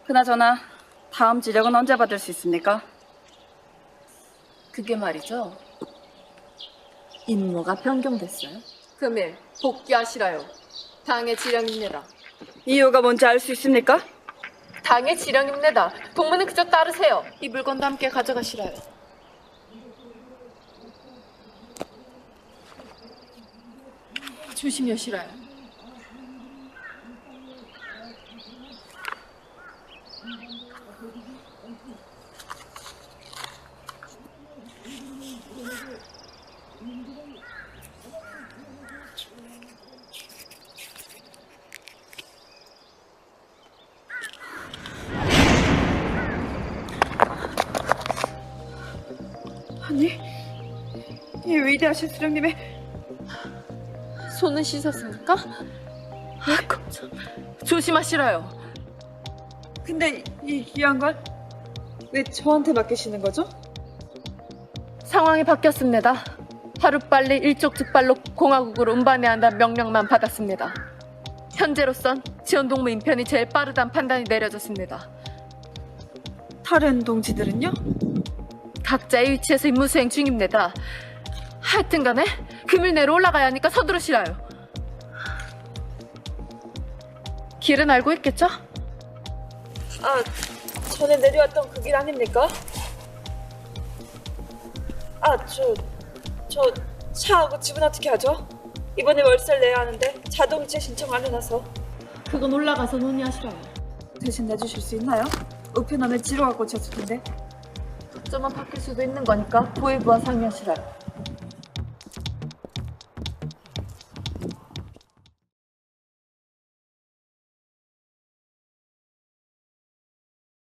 그나저나 다음 지력은 언제 받을 수 있습니까? 그게 말이죠. 임무가 변경됐어요. 금일 복귀하시라요. 당의 지령입니다. 이유가 뭔지 알 수 있습니까? 당의 지령입니다. 동무는 그저 따르세요. 이 물건도 함께 가져가시라요. 조심히 하시라요. 아니, 이 위대하신 수령님의 손은 씻었습니까? 아, 깜짝. 조심하시라요. 근데 이 귀한 걸 왜 저한테 맡기시는 거죠? 상황이 바뀌었습니다. 하루빨리 일촉즉발로 공화국으로 운반해야 한다는 명령만 받았습니다. 현재로선 지원동무 인편이 제일 빠르다는 판단이 내려졌습니다. 다른 동지들은요? 각자의 위치에서 임무 수행 중입니다. 하여튼 간에 금일 내로 올라가야 하니까 서두르시라요. 길은 알고 있겠죠? 아, 전에 내려왔던 그 길 아닙니까? 아, 저 차하고 집은 어떻게 하죠? 이번에 월세를 내야 하는데 자동이체 신청 안 해놔서. 그건 올라가서 논의하시라요. 대신 내주실 수 있나요? 우편함에 지로가 꽂혔을 텐데. 점만 바뀔 수도 있는 거니까 보위부와 상의하시라요.